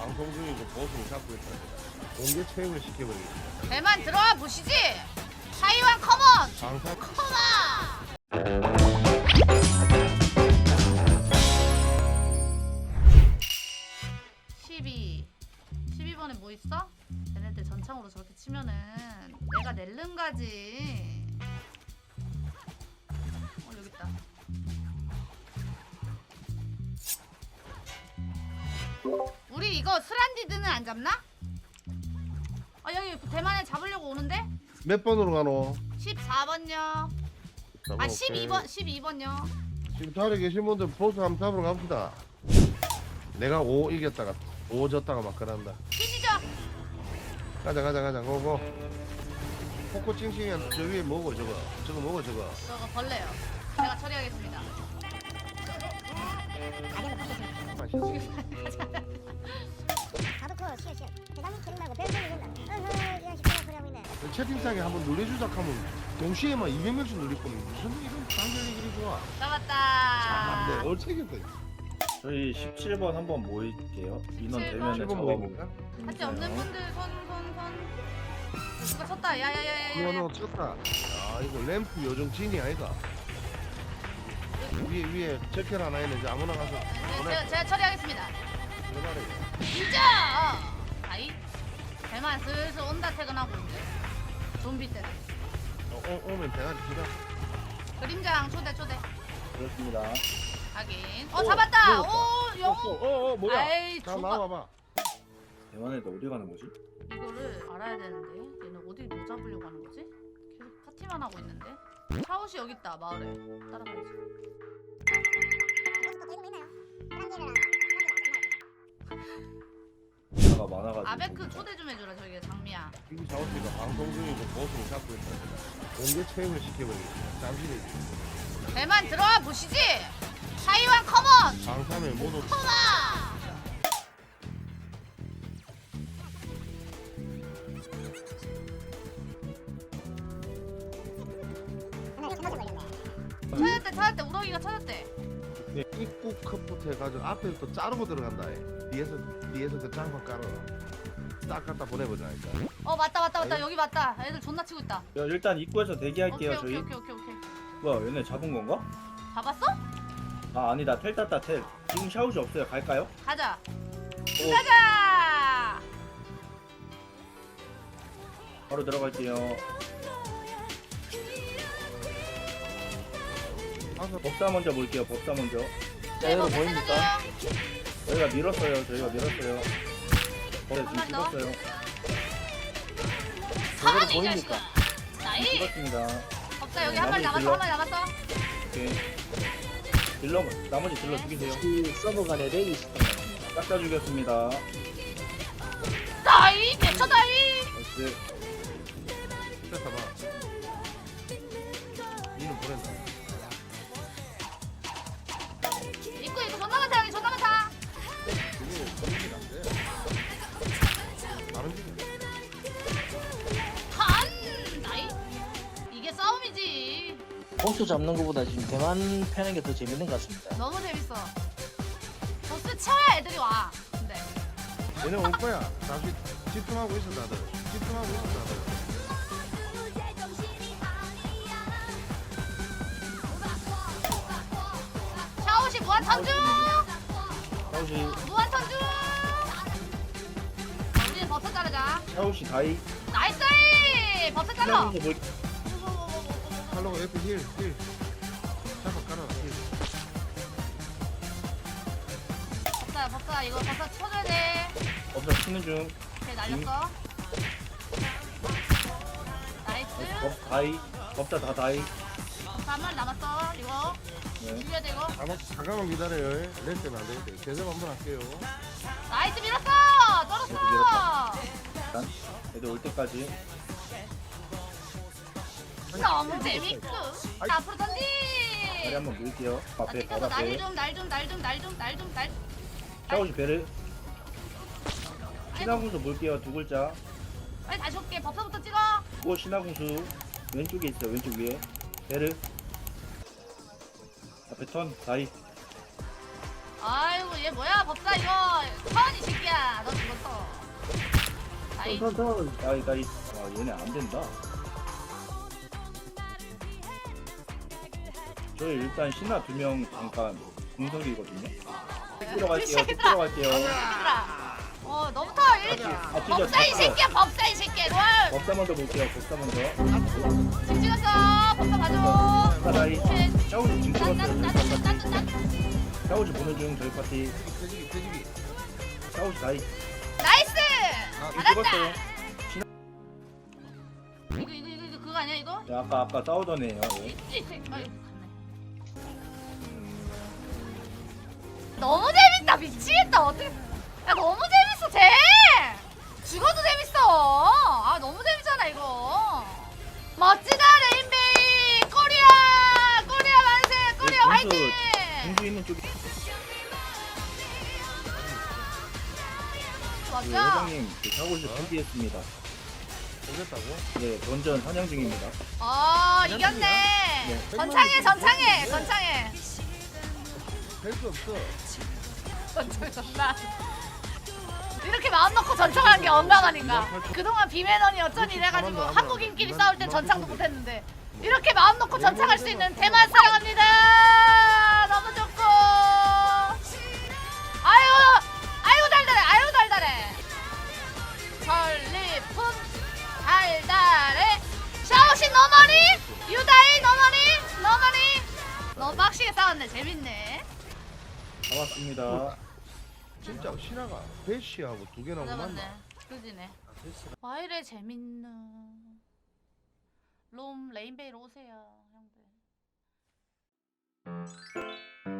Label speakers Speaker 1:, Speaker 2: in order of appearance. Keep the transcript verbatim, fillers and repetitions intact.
Speaker 1: 방송 중이고 보수를 잡고 있다. 공개 체육을 시켜버리겠다.
Speaker 2: 배만 들어와 보시지. 타이완 컴온.
Speaker 1: 방사
Speaker 2: 컴온. 십이. 십이 번에 뭐 있어? 쟤네들 전창으로 저렇게 치면은 내가 낼름가지. 어 여기 있다. 우리 이거 스란디드는 안 잡나? 아 여기 대만에 잡으려고 오는데?
Speaker 1: 몇 번으로 가노?
Speaker 2: 십사 번요. 아 십이 번 십이 번요.
Speaker 1: 지금 자리에 계신 분들 보수 한번 잡으러 갑시다. 내가 오 이겼다가 오 졌다가 막 그런다.
Speaker 2: 피지죠?
Speaker 1: 가자 가자 가자 고고. 코코 찡찡이 저 위에 뭐고 저거 저거 뭐고 저거.
Speaker 2: 저거 벌레요. 제가 처리하겠습니다.
Speaker 3: 가도커 시어 시어 대단히 기름 말고 별 소리 된다. 어허 이런 식으로 소리하고 있네.
Speaker 1: 채팅창에 한번 눌러주자 하면 동시에 막 이백 명씩 눌릴 거면 무슨 이런 단결이 그리 좋아.
Speaker 2: 잡았다.
Speaker 1: 아, 네, 얼체겠다.
Speaker 4: 저희 십칠 번 한번 모일게요. 인원
Speaker 2: 십칠
Speaker 4: 되면
Speaker 2: 번?
Speaker 1: 칠 번
Speaker 4: 잡아보고.
Speaker 1: 모입니까?
Speaker 2: 같이 없는 분들 손 손 손. 누가 쳤다. 야야야야야.
Speaker 1: 이거는 쳤다. 아 이거 램프 요정 진이 아이가. 위에 위에 제켈 하나 있는 이제 아무나 가서
Speaker 2: 네,
Speaker 1: 보내.
Speaker 2: 제가, 제가 처리하겠습니다.
Speaker 1: 그만해.
Speaker 2: 진짜. 아이. 대만 슬슬 온다 퇴근하고 이제. 좀비 때.
Speaker 1: 어, 어, 오면 대가리 기다.
Speaker 2: 그림자랑 초대 초대.
Speaker 4: 그렇습니다.
Speaker 2: 확인. 어 잡았다. 오 영.
Speaker 1: 어어 어, 뭐야?
Speaker 2: 아이
Speaker 1: 자
Speaker 2: 저거.
Speaker 1: 나와봐.
Speaker 4: 대만에도 어디 가는 거지?
Speaker 2: 이거를 알아야 되는데 얘는 어디 뭐 잡으려고 하는 거지? 계속 파티만 하고 있는데. 샤오시 여기 있다 마을에. 따라가야지.
Speaker 3: 거기서 또 들고 있나요? 사람들이랑
Speaker 4: 차가 많아가지고.
Speaker 2: 아베크 초대 좀 해주라 저기 장미야.
Speaker 1: 이기 자오씨가 방송 중이고 보수를 잡고 있다. 공개 체육을 시켜버리겠다. 잠시
Speaker 2: 배만 들어와 보시지. 타이완 컴온.
Speaker 1: 방사면 모두
Speaker 2: 컴온.
Speaker 3: 하나 찾아서 걸렸네.
Speaker 2: 찾았대 찾았대 우렁이가 찾았대.
Speaker 1: 입구 컵부터 해가지고 앞에 또 자르고 들어간다. 해. 뒤에서 뒤에서 그 장판 깔아라. 딱 갖다 보내보자. 일단.
Speaker 2: 어 맞다 맞다 맞다 여기 맞다. 애들 존나 치고 있다.
Speaker 4: 야, 일단 입구에서 대기할게요.
Speaker 2: 오케이
Speaker 4: 저희.
Speaker 2: 오케이 오케이 오케이 오케이.
Speaker 4: 뭐야, 얘네 잡은 건가?
Speaker 2: 잡았어?
Speaker 4: 아, 아니다. 텔 땄다, 텔. 지금 샤오시 없어요. 갈까요?
Speaker 2: 가자.
Speaker 4: 어,
Speaker 2: 가자.
Speaker 4: 바로 들어갈게요.
Speaker 1: 가서
Speaker 4: 법사 먼저 볼게요. 법사 먼저.
Speaker 2: 네, 뭐 보입니까?
Speaker 4: 저희가 밀었어요. 저희가 밀었어요. 네,
Speaker 2: 한
Speaker 4: 지금
Speaker 2: 번 더.
Speaker 4: 죽었어요.
Speaker 2: 사만이 자식아. 나이.
Speaker 4: 죽었습니다.
Speaker 2: 없다 여기 한 발 남았어 한 발 남았어.
Speaker 4: 오케이. 딜러, 나머지 딜러 죽이세요.
Speaker 5: 그 서버 간에 렉이 있었던
Speaker 4: 싹 다 죽였습니다.
Speaker 2: 나이 대처 나이.
Speaker 4: 나이스.
Speaker 1: 뺐다 봐. 니는 보낸다.
Speaker 2: 입구 입구 존나 많다 여기 존나 많다.
Speaker 1: 이게 걸리긴 안 돼. 다른 게
Speaker 2: 한 나이. 이게 싸움이지.
Speaker 5: 보스 잡는 것보다 지금 대만 패는 게 더 재밌는 것 같습니다.
Speaker 2: 너무 재밌어. 보스 쳐야 애들이 와. 근데
Speaker 1: 얘네 올 거야. 잠시 집중하고 있어 다들. 집중하고 있어 다들.
Speaker 2: 샤오시 무한 턴중.
Speaker 4: 샤오시,
Speaker 2: 무한 턴중. 우리는 버섯 자르자.
Speaker 4: 샤오시 다이.
Speaker 2: 나이스. 버섯 잘라.
Speaker 4: 샤오시 볼,
Speaker 1: 팔로우 옆에 힐 힐. 잡아 깔아라 힐.
Speaker 2: 버섯야 버섯 이거 버섯 쳐줘야 돼.
Speaker 4: 법사 치는 중.
Speaker 2: 오케이 날렸어. 나이스.
Speaker 4: 법 다이. 법사 다 다이.
Speaker 2: 버섯 한 마리 남았어. 이거
Speaker 4: 네.
Speaker 2: 죽여야 돼 이거.
Speaker 1: 잠깐 잠깐만 기다려요. 렌 때문에 안 되겠대. 제대로 한번 할게요.
Speaker 2: 나이스 밀었어.
Speaker 4: 밀었다.
Speaker 2: 떨었어.
Speaker 4: 일단 애들 올 때까지.
Speaker 2: 너무 재밌고.
Speaker 1: 아이.
Speaker 2: 앞으로 던지.
Speaker 4: 다리 한번 밀게요.
Speaker 2: 나
Speaker 4: 앞에
Speaker 2: 찍어서
Speaker 4: 바로
Speaker 2: 날
Speaker 4: 앞에.
Speaker 2: 좀 날 좀 날 좀 날 좀 날 좀 날.
Speaker 4: 샤오시 배를.
Speaker 2: 아이고
Speaker 4: 신화궁수 볼게요. 두 글자.
Speaker 2: 빨리 다시 올게. 버섯부터 찍어.
Speaker 4: 또 신화궁수 왼쪽에 있어요. 왼쪽 위에. 배를. 앞에 턴 다이.
Speaker 2: 아이고 얘 뭐야 법사 이거 턴이 새끼야. 너 나이.
Speaker 4: 서서 나이 나이. 아 얘네 안 된다. 저희 일단 신나 두 명 잠깐 공석이거든요. 뛰러 갈게요.
Speaker 2: 새끼들아.
Speaker 4: 뛰러 갈게요.
Speaker 2: 얘들아. 어 너부터 일.
Speaker 4: 아 찢어.
Speaker 2: 법사 이 새끼야 법사 이 새끼야. 롤.
Speaker 4: 법사 먼저 볼게요. 법사 먼저.
Speaker 2: 지금 찍었어. 법사 봐줘.
Speaker 4: 사다이. 샤오지 지금 찍었어요. 저희 파티.
Speaker 2: 짠짠짠짠짠짠.
Speaker 4: 샤오지 보는 중 저희 파티.
Speaker 1: 돼지기 돼지기.
Speaker 4: 샤오지 다이.
Speaker 2: 나이스.
Speaker 4: 지금
Speaker 2: 잘한다.
Speaker 4: 찍었어요.
Speaker 2: 이거 이거 이거 이거 그거 아니야 이거?
Speaker 4: 야, 아까 아까 싸우던 애예요. 예.
Speaker 2: 이 새끼. 아이고, 갔네. 너무 재밌다 미치겠다 어떻게? 야 너무 재밌어 쟤. 죽어도 재밌어. 아 너무 재밌잖아 이거. 멋지다 레인베이 코리아 코리아 만세 코리아
Speaker 4: 네,
Speaker 2: 화이팅.
Speaker 4: 공수- 공수 있는 쪽에 그
Speaker 2: 맞죠?
Speaker 4: 회장님 그 샤오지 준비했습니다.
Speaker 1: 오겠다고?
Speaker 4: 네, 던전 사냥 중입니다.
Speaker 2: 아 이겼네.
Speaker 4: 네.
Speaker 2: 전창해 전창해 전창해.
Speaker 1: 뺄수 없어.
Speaker 2: 전창 전나. 이렇게 마음 놓고 전창하는 게 건강하니까. 그동안 비매너니 어쩐 이래가지고 한국인끼리 싸울 땐 전창도 못했는데 이렇게 마음 놓고 전창할 수 있는 대만 사랑합니다. 너무 좋고. 아유 아유 달달해 아유 달달해. 전리품 달달해. 샤오신 너머니 유다이 너머니 너머니. 너무 빡시게 싸웠네 재밌네.
Speaker 4: 다 왔습니다.
Speaker 1: 진짜 신화가 배시하고 두 개나
Speaker 2: 맞아
Speaker 1: 만나.
Speaker 2: 맞네. 그지네. 와 이래 재밌는. 롬 레인베이로 오세요 형들.